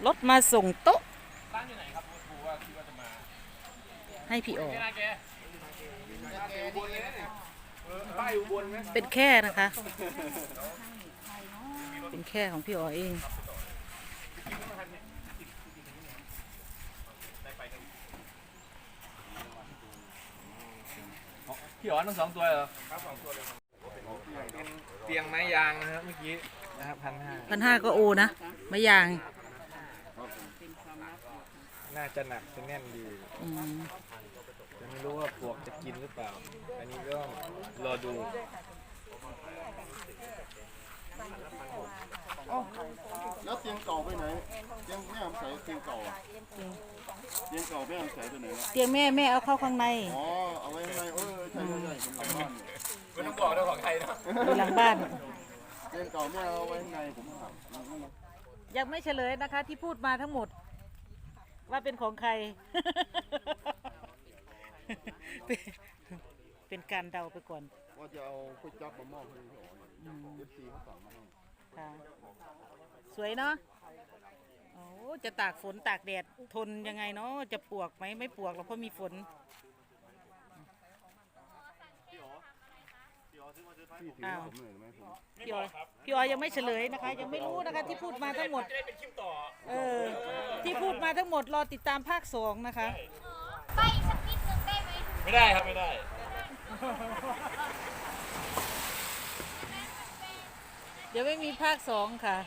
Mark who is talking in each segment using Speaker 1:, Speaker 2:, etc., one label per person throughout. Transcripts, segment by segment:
Speaker 1: รถมาส่งโต๊ะ
Speaker 2: ร้านอยู่ไหนครับครูว่าคิดว่าจะมา
Speaker 1: ให้พี่อ๋อ
Speaker 2: ป้ายอุบลไหม
Speaker 1: เป็นแค่นะคะ เป็นแค่ของพี่อ๋อเอง
Speaker 2: พี่อ๋อทั้ง2 ตัวเหรอครับ2 ตัวเลยเป็นเตียงไม้ยางนะครับเมื่อกี้นะครับ1,500
Speaker 1: 1,500ก็โอนะไม่ยาง
Speaker 2: น่าจะหนักจะแน่นดีจะไม่รู้ว่าปลวกจะกินหรือเปล่าอันนี้ก็รอดู
Speaker 3: แล้วเตียงเก่าไปไหนเตียงแม่ใส่เตียงเก่าเตียงเก่าแม่ใส่ไปไหนแล้ว
Speaker 1: เตียงแม่เอาเข้าข้างใน
Speaker 3: อ๋อเอาไว้ข้างในใช่ผมหลังบ้าน
Speaker 2: ไม่ต้องบอกเรื่องของใครนะ
Speaker 1: อยู่หลังบ้าน
Speaker 3: เตียงเก่าแม่เอาไว้ข้างในผมถาม
Speaker 1: ยังไม่เฉลยนะคะที่พูดมาทั้งหมดว่าเป็นของใคร เป็นการเดาไปก่อน
Speaker 3: ว่าจะเอาก๋วยจั๊บมามอบให้พี่อ๋อFCเขาสั่งมาให้
Speaker 1: ค่ะสวยเนาะโอ้จะตากฝนตากแดดทนยังไงเนาะจะปวกไหมไม่ปวกหรอกเพราะมีฝนอ้าวพี่อ๋อยังไม่เฉลยนะคะยังไม่รู้นะคะที่พูดมาทั้งหมดที่พูดมาทั้งหมดรอติดตามภาค2นะคะ
Speaker 4: ไปอีกสักนิดนึงได้ไหม
Speaker 2: ไม่ได้ครับไม่ได้
Speaker 1: เดี๋ยวไม่มีภาค2ค่ะ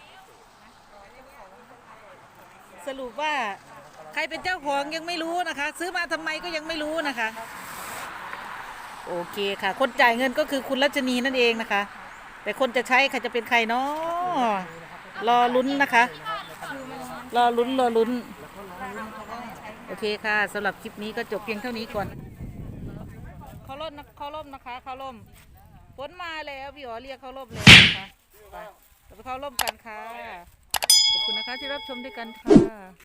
Speaker 1: สรุปว่าใครเป็นเจ้าของยังไม่รู้นะคะซื้อมาทำไมก็ยังไม่รู้นะคะโอเคค่ะคนจ่ายเงินก็คือคุณรัชนีนั่นเองนะคะแต่คนจะใช้ใครจะเป็นใครเนาะรอลุ้นนะคะรอลุ้นโอเคค่ะสำหรับคลิปนี้ก็จบเพียงเท่านี้ก่อนเขาล่มนะคะเขาล่มฝนมาแล้วพี่อ๋อเรียกเขาล่มเลยนะคะไปเราไปเขาล่มกันค่ะขอบคุณนะคะที่รับชมด้วยกันค่ะ